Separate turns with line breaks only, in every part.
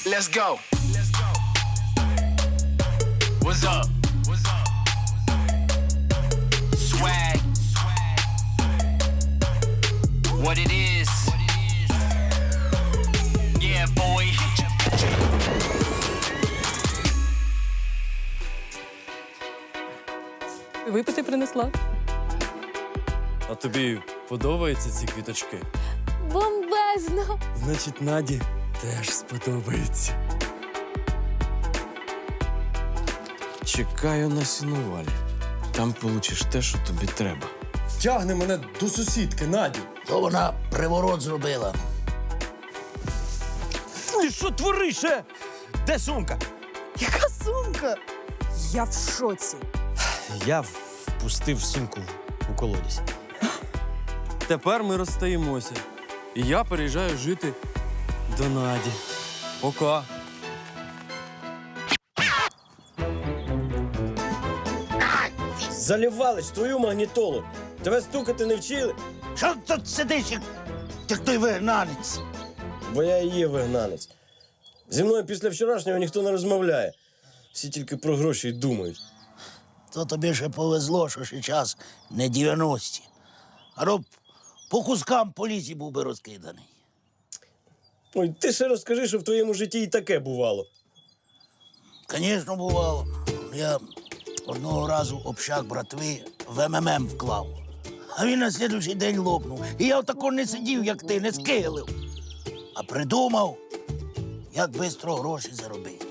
Let's go. What's up? Swag. What it is. Yeah, boy.
Випити принесла.
А тобі подобаються ці квіточки?
Бомбезно!
Значить, Наді теж сподобається. Чекаю на сінувалі. Там получиш те, що тобі треба. Тягни мене до сусідки, Наді.
То вона приворот зробила.
Ти що твориш, е? Де сумка?
Яка сумка? Я в шоці.
Я впустив сумку у колодязь. Тепер ми розстаємося. І я переїжджаю жити до Наді. Пока.
Залівалич, твою магнітолу. Тебе стукати не вчили,
Що тут сидиш, як той вигнанець?
бо я і є вигнанець. Зі мною після вчорашнього ніхто не розмовляє. Всі тільки про гроші й думають.
То тобі ще повезло, що ще час не 90-ті. А то б по кускам по лісі був би розкиданий.
Ой, ти ще розкажи, що в твоєму житті і таке бувало.
Звісно, бувало. Я одного разу общак братви в МММ вклав. А він на слідуючий день лопнув. І я отако не сидів, як ти, не скиглив. А придумав, як швидко гроші заробити.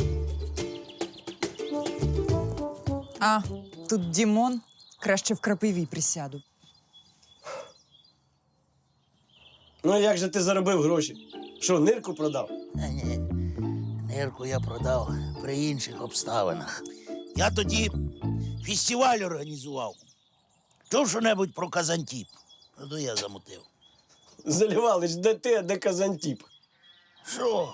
А, тут Дімон. Краще в крапиві присяду.
Ну, як же ти заробив гроші? Що, нирку продав?
Ні, нирку я продав при інших обставинах. Я тоді фестиваль організував. Чув що-небудь про Казантіп? Ну, то я замутив.
Залівалич, де ти, а де Казантіп?
Що?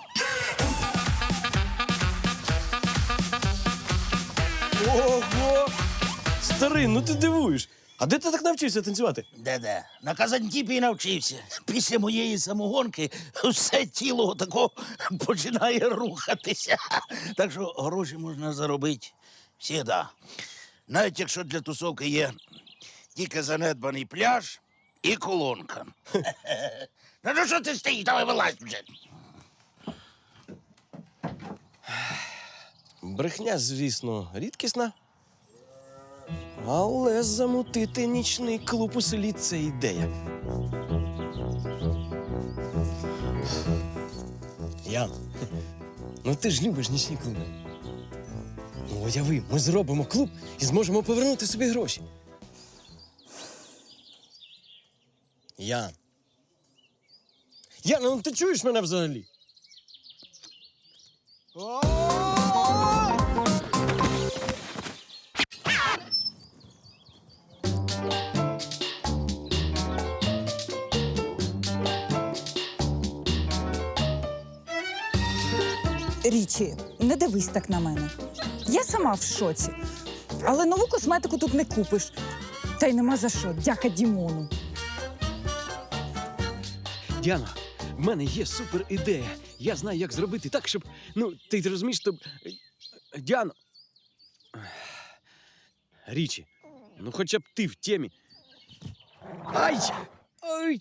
Ого! Старий, ну ти дивуєш. А де ти так навчився танцювати?
Де-де? На Казантіпі і навчився. Після моєї самогонки все тіло тако починає рухатися. Так що гроші можна заробити всегда. Навіть якщо для тусовки є тільки занедбаний пляж і колонка. Ну що ти стоїш? Давай вилазь вже.
Брехня, звісно, рідкісна. Але замутити нічний клуб у селі – це ідея. Ян, ну ти ж любиш нічні клуби. Ну, уяви, ми зробимо клуб і зможемо повернути собі гроші. Ян. Ян, ну ти чуєш мене взагалі?
Річі, не дивись так на мене. Я сама в шоці. Але нову косметику тут не купиш. Та й нема за що. Дяка Дімону.
Діана, в мене є супер ідея. Я знаю, як зробити так, щоб. Ну, ти розумієш, щоб. Діана. Річі, ну хоча б ти в темі. Ай! Ай!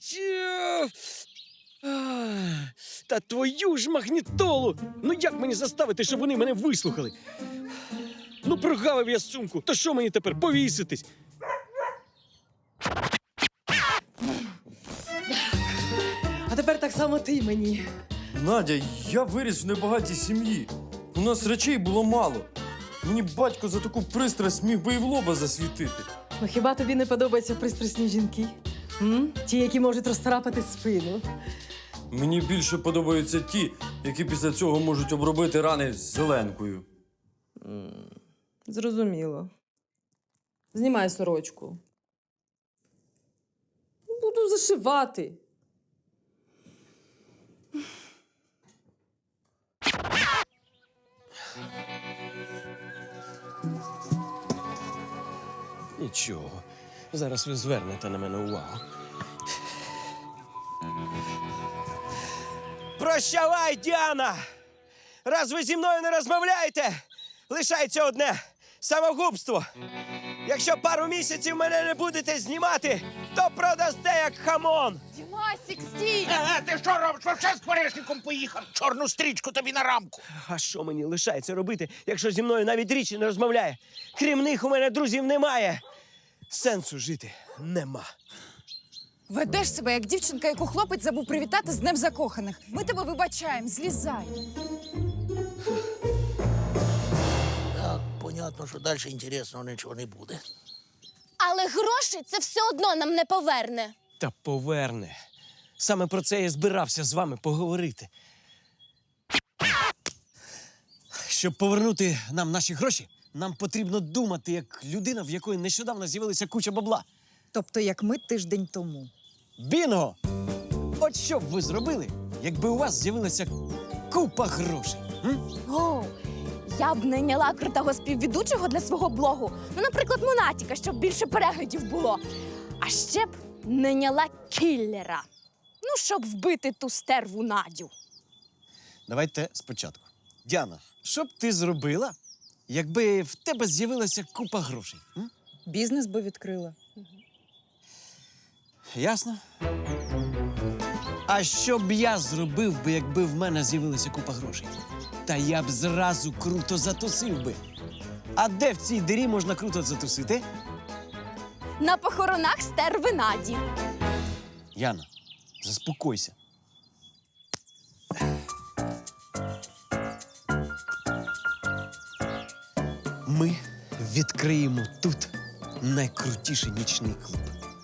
Та твою ж магнітолу! Ну як мені заставити, щоб вони мене вислухали? Ну прогавив я сумку, то що мені тепер, повіситись?
А тепер так само ти мені.
Надя, я виріс в небагатій сім'ї. У нас речей було мало. Мені батько за таку пристрасть міг би і в лоба засвітити.
Ну хіба тобі не подобаються пристрасні жінки? Ті, які можуть розцарапати спину.
Мені більше подобаються ті, які після цього можуть обробити рани зеленкою.
Зрозуміло. Знімай сорочку. Буду зашивати.
Нічого. Зараз ви звернете на мене увагу. Прощавай, Діана!
раз ви зі мною не розмовляєте, лишається одне самогубство. Якщо пару місяців мене не будете знімати, то продасте як хамон.
Дімасік, стій!
Ти що робиш? Вообще з порішником поїхав. Чорну стрічку тобі на рамку.
А що мені лишається робити, якщо зі мною навіть річі не розмовляє? Крім них у мене друзів немає. Сенсу жити нема.
Ведеш себе як дівчинка, яку хлопець забув привітати з Днем закоханих. Ми тебе вибачаємо, злізай.
Так, понятно, що далі інтересного нічого не буде.
Але гроші це все одно нам не поверне.
Та поверне. Саме про це я збирався з вами поговорити. Щоб повернути нам наші гроші, нам потрібно думати як людина, в якої нещодавно з'явилася куча бабла.
Тобто, як ми тиждень тому.
Бінго! От що б ви зробили, якби у вас з'явилася купа грошей?
О, я б найняла крутого співведучого для свого блогу. Ну, наприклад, Монатіка, щоб більше переглядів було. А ще б найняла кіллера. Ну, щоб вбити ту стерву Надю.
Давайте спочатку. Діана, що б ти зробила, якби в тебе з'явилася купа грошей?
Бізнес би відкрила.
Ясно? А що б я зробив би, якби в мене з'явилася купа грошей? Та я б зразу круто затусив би. А де в цій дирі можна круто затусити?
На похоронах стерви Наді.
Яна, заспокойся. Ми відкриємо тут найкрутіший нічний клуб.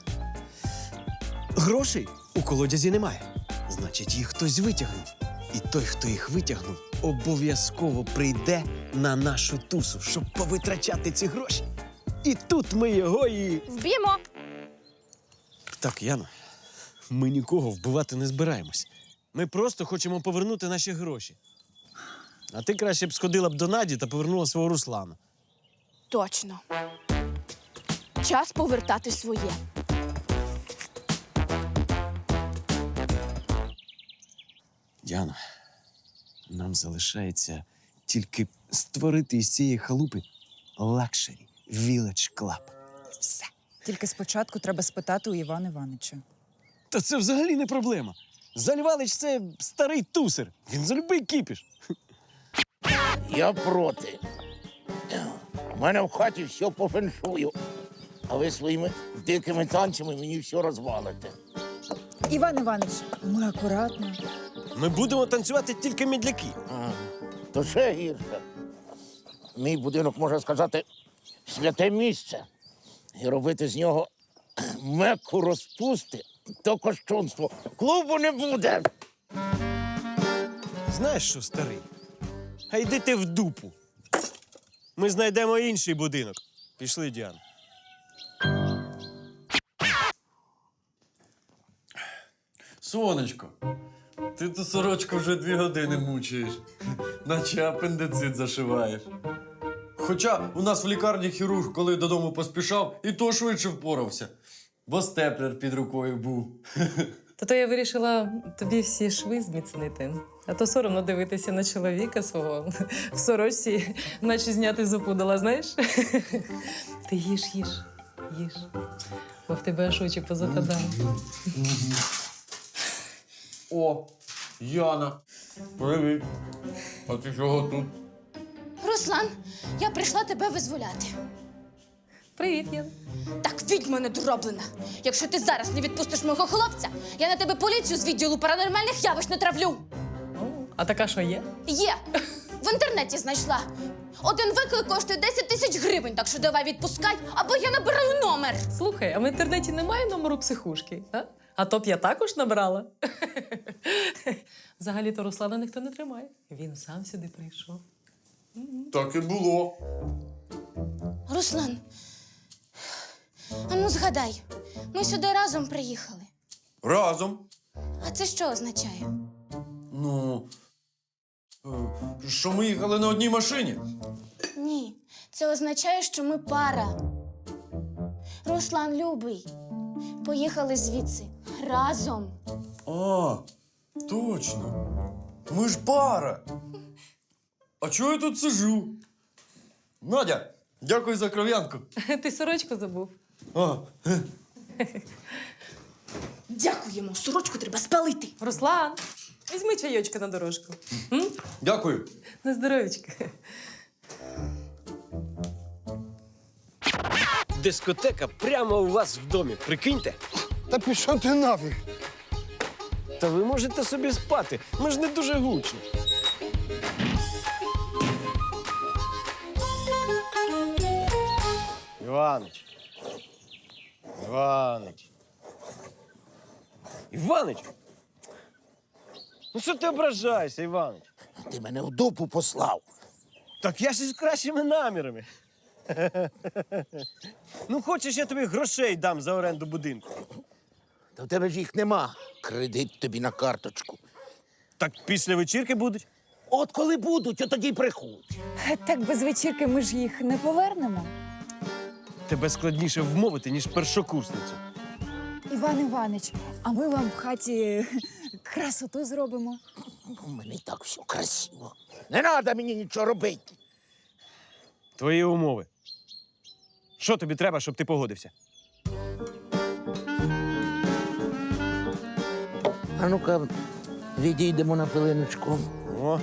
Грошей у колодязі немає. Значить, їх хтось витягнув. І той, хто їх витягнув, обов'язково прийде на нашу тусу, щоб повитрачати ці гроші. І тут ми його і...
Вб'ємо.
Так, Яна, ми нікого вбивати не збираємось. Ми просто хочемо повернути наші гроші. А ти краще б сходила б до Наді та повернула свого Руслана.
Точно. Час повертати своє.
Діана, нам залишається тільки створити із цієї халупи Luxury Village Club. Все.
Тільки спочатку треба спитати у Івана Івановича.
Та це взагалі не проблема. Залівалич – це старий тусер. Він за любий кіпіш.
Я проти. У мене в хаті все по феншую. А ви своїми дикими танцями мені все розвалите.
Іван Іванович, ми акуратно.
Ми будемо танцювати тільки мідляки.
То ще гірше. Мій будинок, можна сказати, святе місце. І робити з нього мекку розпусти то кощунство. Клубу не буде.
Знаєш що, старий? А йди ти в дупу. Ми знайдемо інший будинок. Пішли, Діана.
Сонечко, ти ту сорочку вже 2 години мучаєш, наче апендицит зашиваєш. Хоча у нас в лікарні хірург, коли додому поспішав, і то швидше впорався, бо степлер під рукою був.
То я вирішила тобі всі шви зміцнити. А то соромно дивитися на чоловіка свого в сорочці, наче зняти зубу дала, знаєш? Ти їж. Бо в тебе аж очі позападали.
О, Яна, привіт. А ти чого тут?
Руслан, я прийшла тебе визволяти.
Привіт, Ян.
Так, відьма недороблена. Якщо ти зараз не відпустиш мого хлопця, я на тебе поліцію з відділу паранормальних явищ натравлю.
А така що є?
Є. В інтернеті знайшла. Один виклик коштує 10 тисяч гривень, так що давай відпускай, або я набираю номер.
Слухай, а в інтернеті немає номеру психушки, а? А то б я також набрала. Взагалі-то Руслана ніхто не тримає. Він сам сюди прийшов.
Так і було.
Руслан, а ну згадай, ми сюди разом приїхали.
Разом.
А це що означає?
Ну, що ми їхали на одній машині.
Ні, це означає, що ми пара. Руслан, любий, поїхали звідси разом.
А, точно. Ми ж пара. А чого я тут сижу? Надя, дякую за кров'янку.
Ти сорочку забув.
А,
Дякуємо, сорочку треба спалити.
Руслан, візьми чайочка на дорожку. М?
дякую.
На здоров'ячка.
Дискотека прямо у вас в домі. Прикиньте.
Та пішов ти нафіг.
Та ви можете собі спати. Ми ж не дуже гучні. Іванич. Іванич. Іванич! Ну що ти ображаєшся, Іванич?
Ти мене в дупу послав.
Так я ж із кращими намірами. Ну, хочеш, я тобі грошей дам за оренду будинку.
Та в тебе ж їх нема. Кредит тобі на карточку.
Так після вечірки будуть.
От коли будуть, от тоді й приходь.
Так без вечірки ми ж їх не повернемо.
Тебе складніше вмовити, ніж першокурсницю.
Іван Іванич, а ми вам в хаті красоту зробимо.
У мене і так все красиво. Не треба мені нічого робити.
Твої умови. Що тобі треба, щоб ти погодився?
А ну-ка, відійдемо на хвилиночку.
О.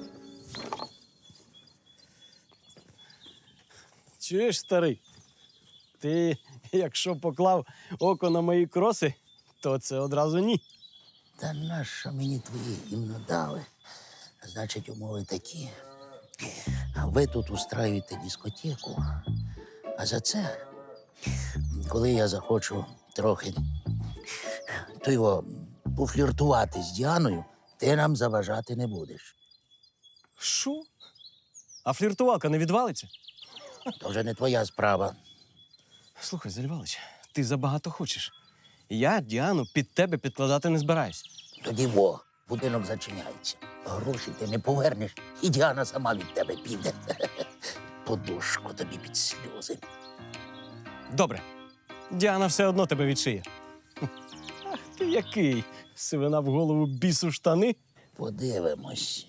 Чуєш, старий? Ти, якщо поклав око на мої кроси, то це одразу ні.
Та нащо мені твої гімно дали? Значить, умови такі. Ви тут устраюєте дискотеку, а за це, коли я захочу трохи то його пофліртувати з Діаною, ти нам заважати не будеш.
Що? А фліртувалка не відвалиться?
То вже не твоя справа.
Слухай, Зальвалич, ти забагато хочеш. Я Діану під тебе підкладати не збираюсь.
Тоді будинок зачиняється. Гроші ти не повернеш, і Діана сама від тебе піде. Подушку тобі під сльози.
Добре. Діана все одно тебе відшиє. Ах ти який! Сивина в голову бісу штани.
Подивимось.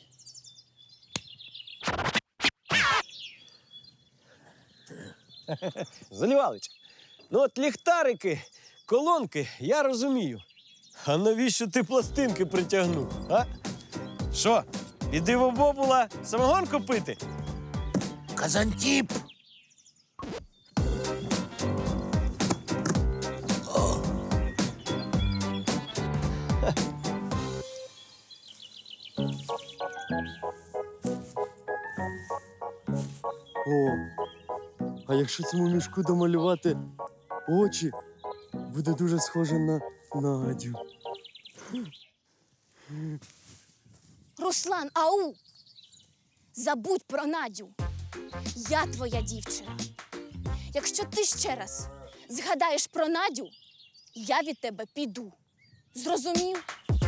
Залівалич, ну от ліхтарики, колонки, я розумію. А навіщо ти пластинки притягнув, а? Що, іди в обобула самогонку пити?
Казантіп!
О, а якщо цьому мішку домалювати очі, буде дуже схоже на Надю.
Руслан, ау! Забудь про Надю. Я твоя дівчина. Якщо ти ще раз згадаєш про Надю, я від тебе піду. Зрозумів?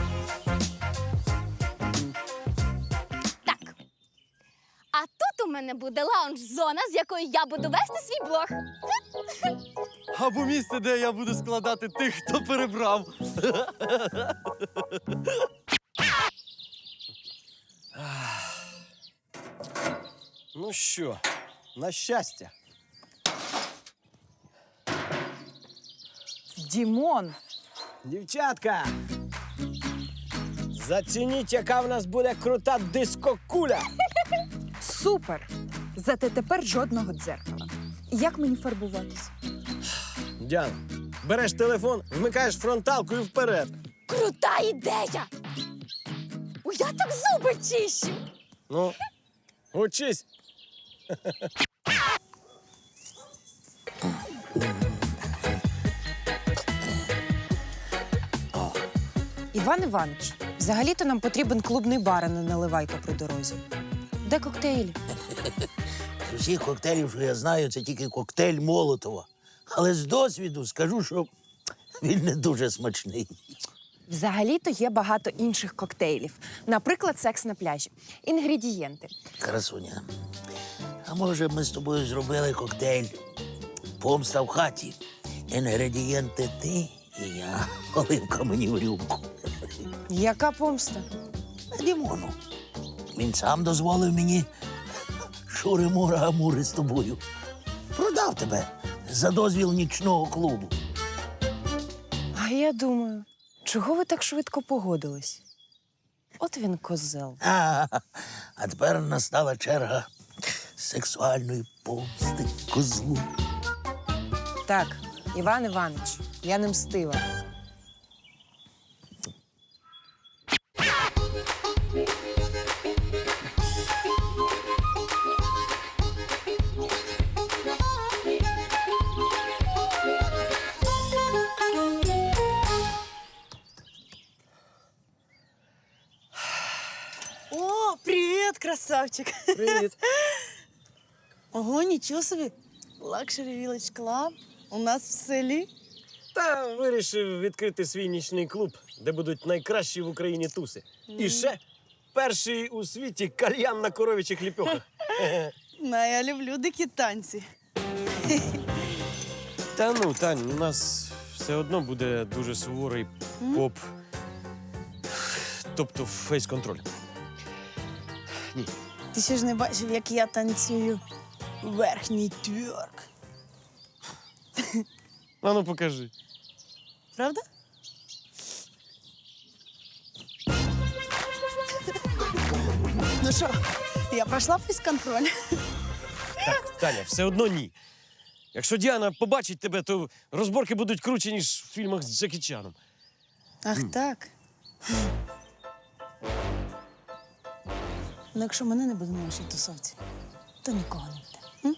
Так. А тут у мене буде лаунж-зона, з якої я буду вести свій блог.
Або місце, де я буду складати тих, хто перебрав.
Ну що, на щастя.
Дімон,
Дівчатка! Зацініть, яка в нас буде крута дискокуля!
супер! Зате тепер жодного дзеркала. Як мені фарбуватись?
Діана, береш телефон, вмикаєш фронталку і вперед.
Крута ідея! Я так зуби чищу!
Ну, учись.
Іван Іванович, взагалі-то нам потрібен клубний бар, а не наливайка при дорозі. Де коктейлі?
З усіх коктейлів, що я знаю, це тільки коктейль Молотова. Але з досвіду скажу, що він не дуже смачний.
Взагалі-то є багато інших коктейлів. Наприклад, секс на пляжі. Інгредієнти.
Красуня, а може б ми з тобою зробили коктейль «Помста в хаті». Інгредієнти ти і я. Оливка мені в рюмку.
Яка помста?
Дімону. Він сам дозволив мені шури-мура амури з тобою. Продав тебе за дозвіл нічного клубу.
А я думаю, чого ви так швидко погодились? От він козел.
А тепер настала черга сексуальної помсти козлу.
Так, Іван Іванович, я не мстива.
О, привет, красавчик.
Привіт.
Ого, нічого собі. Luxury Village Club у нас в селі.
Та вирішив відкрити свій нічний клуб, де будуть найкращі в Україні туси. І ще перший у світі кальян на коров'ячих ліпьохах.
Ну, я люблю дикі танці.
Та ну, Тань, у нас все одно буде дуже суворий поп. Тобто фейс-контроль. Ні.
Ти ще ж не бачив, як я танцюю верхній тверк.
А ну покажи.
Правда? Ну що, я пройшла фейс-контроль?
Так, Таня, все одно ні. Якщо Діана побачить тебе, то розборки будуть круче, ніж в фільмах з Джекі Чаном.
Ах, так. Ну, якщо мене не буде на вашій тусовці, то нікого не буде.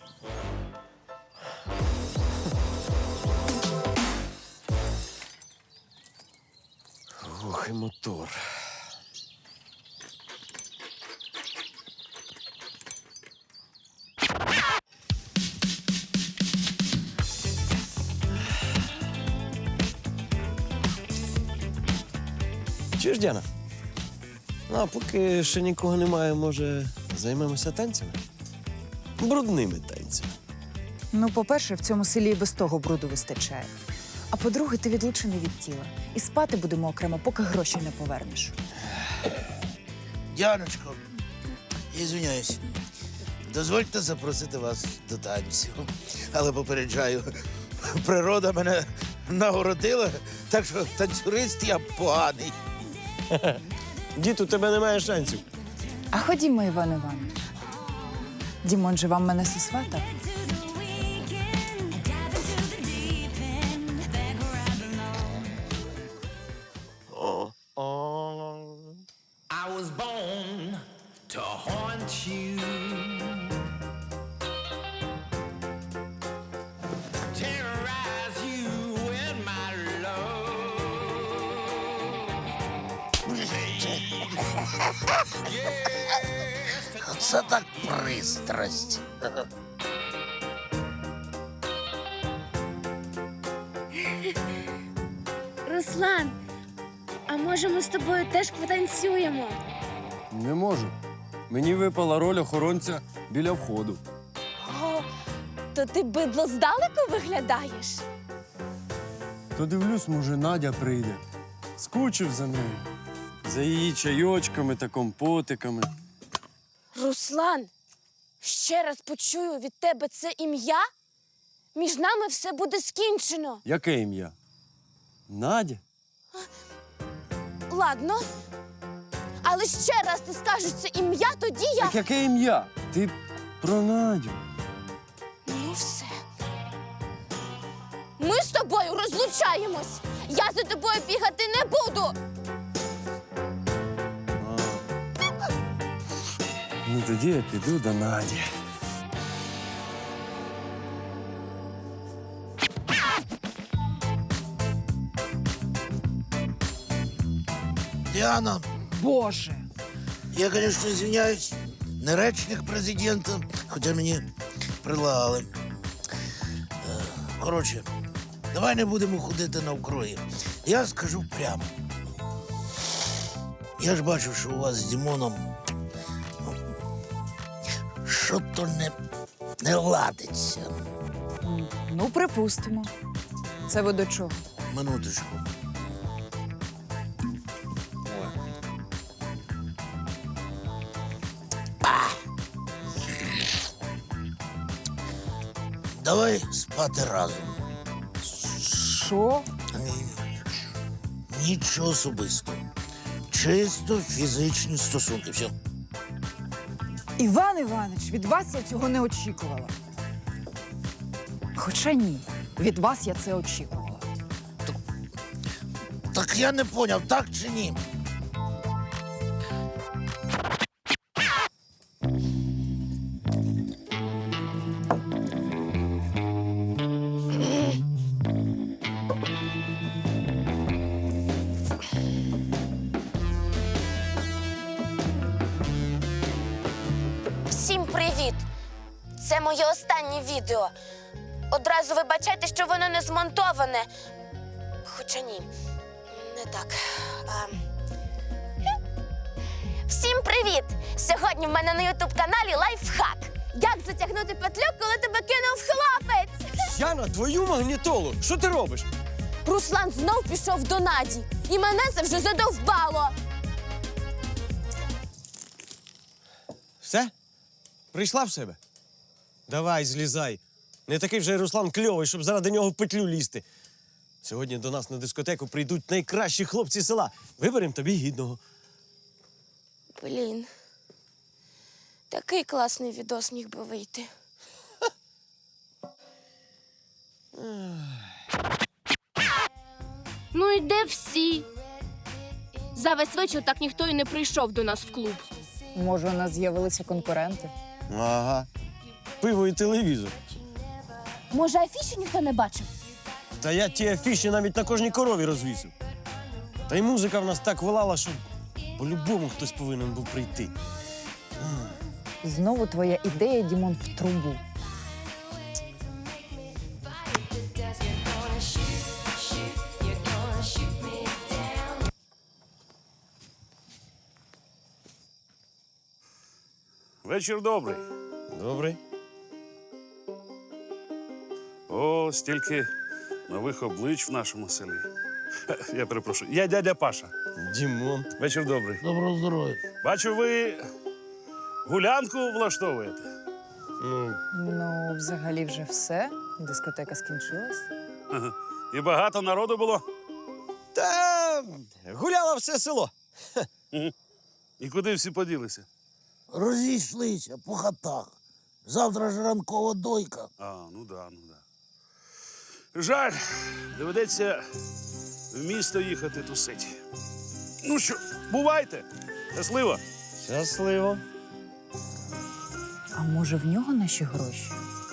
Ох, і мотор. Чуєш, Діана? Ну, а поки ще нікого немає, може, займемося танцями? Брудними танцями.
Ну, по-перше, в цьому селі і без того бруду вистачає. А по-друге, ти відлучений від тіла. І спати будемо окремо, поки гроші не повернеш.
Діаночко, я звиняюсь. Дозвольте запросити вас до танців. Але попереджаю, природа мене нагородила, так що танцюрист я поганий.
Дід, у тебе немає шансів.
А ходімо, Іван Іванович. Дімон же вам мене сосватав.
I was born to haunt you. Terrorize you with my love.
Це так пристрасть.
Руслан, а може ми з тобою теж потанцюємо?
Не можу. Мені випала роль охоронця біля входу.
О, то ти бидло здалеку виглядаєш?
То дивлюсь, може, Надя прийде. Скучив за нею. За її чайочками та компотиками.
Руслан, ще раз почую від тебе це ім'я? Між нами все буде скінчено.
Яке ім'я? Надя?
Ладно. Але ще раз ти скажеш це ім'я, тоді я.
Так яке ім'я? Ти про Надю.
Ну все. Ми з тобою розлучаємось. Я за тобою бігати не буду.
Ну тоді я піду до Наді.
Діана,
Боже!
я, звісно, извиняюсь, не речник президента, хоча мені прилагали. Коротше, давай не будемо ходити навкруги. Я скажу прямо. Я ж бачив, що у вас з Дімоном що-то не ладиться.
Ну, припустимо. Це ви до чого?
Минуточку. давай спати разом.
Що?
Нічого особистого. Чисто фізичні стосунки. Все.
Іван Іванович, від вас я цього не очікувала. Хоча ні, від вас я це очікувала.
Так я не поняв, так чи ні?
Всім привіт! Це моє останнє відео. Одразу вибачайте, що воно не змонтоване. Хоча ні, не так. Всім привіт! Сьогодні в мене на ютуб-каналі лайфхак. Як затягнути петлю, коли тебе кинув хлопець?
Яна, твою магнітолу! Що ти робиш?
Руслан знов пішов до Наді. І мене це вже задовбало.
Все? Прийшла в себе? Давай, злізай. Не такий вже Руслан кльовий, щоб заради нього в петлю лізти. Сьогодні до нас на дискотеку прийдуть найкращі хлопці села. Виберемо тобі гідного.
Блін. Такий класний відос міг би вийти. Ну і де всі? За весь вечір так ніхто і не прийшов до нас в клуб.
Може, у нас з'явилися конкуренти?
Ага. Пиво і телевізор.
Може, афіші ніхто не бачив?
Та я ті афіші навіть на кожній корові розвісив. Та й музика в нас так волала, що по-любому хтось повинен був прийти.
Знову твоя ідея, Дімон, в трубу.
Вечір добрий.
Добре.
О, стільки нових облич в нашому селі. Я перепрошую. Я дядя Паша.
Дімон.
Вечір добрий.
Доброго здоров'я.
Бачу, ви гулянку влаштовуєте.
Ну, взагалі вже все. Дискотека скінчилась.
Ага. І багато народу було.
Та гуляло все село.
І куди всі поділися?
Розійшлися по хатах. Завтра ж ранкова дойка.
Ну да. Жаль, доведеться в місто їхати тусити. Ну що, бувайте. Щасливо.
Щасливо.
А може, в нього наші гроші?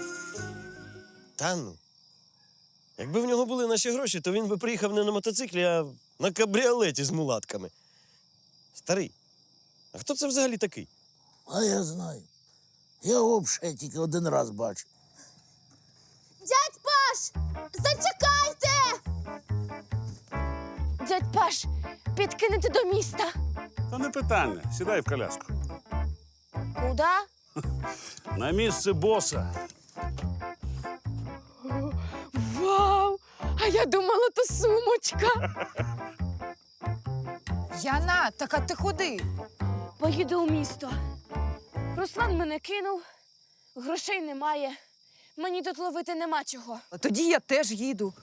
Та ну. Якби в нього були наші гроші, то він би приїхав не на мотоциклі, а на кабріолеті з мулатками. Старий, а хто це взагалі такий?
А я знаю. Я його взагалі тільки один раз бачив.
Дядь Паш! Зачекайте! Дядь Паш, підкинете до міста.
Та не питання. Сідай в коляску.
Куда?
На місце боса.
Вау! А я думала, то сумочка.
Яна, так а ти куди?
Поїду у місто. Руслан мене кинув, грошей немає. Мені тут ловити нема чого.
Тоді я теж їду.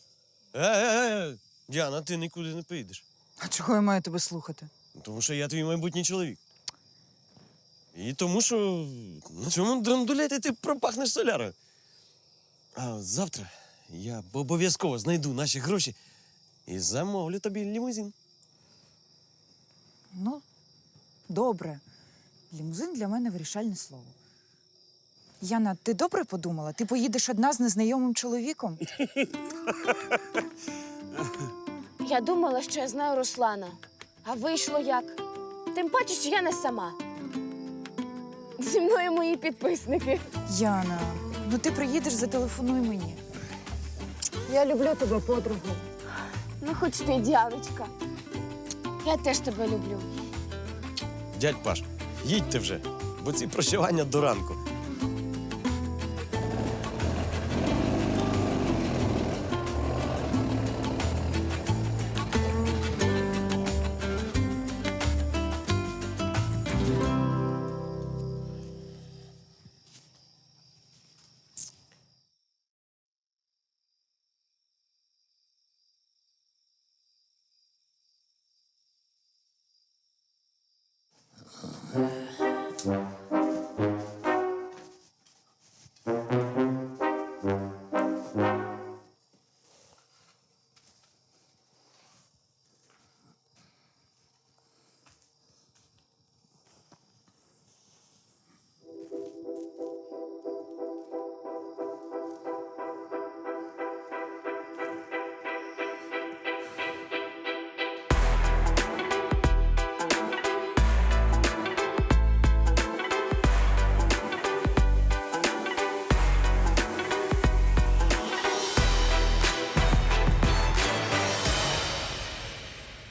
Діана, ти нікуди не поїдеш.
А чого я маю тебе слухати?
Тому що я твій майбутній чоловік. І тому що на цьому драндулеті ти пропахнеш солярою. А завтра я обов'язково знайду наші гроші і замовлю тобі лімузин.
Ну, добре. Лімузин для мене вирішальне слово. Яна, ти добре подумала? Ти поїдеш одна з незнайомим чоловіком?
Я думала, що я знаю Руслана. А вийшло як? Тим паче, що я не сама. Зі мною мої підписники.
Яна, ну ти приїдеш, зателефонуй мені. Я люблю тебе, подругу.
Ну, хоч ти, Діаночка. Я теж тебе люблю.
Дядь Паш, їдьте вже, бо ці прощавання до ранку.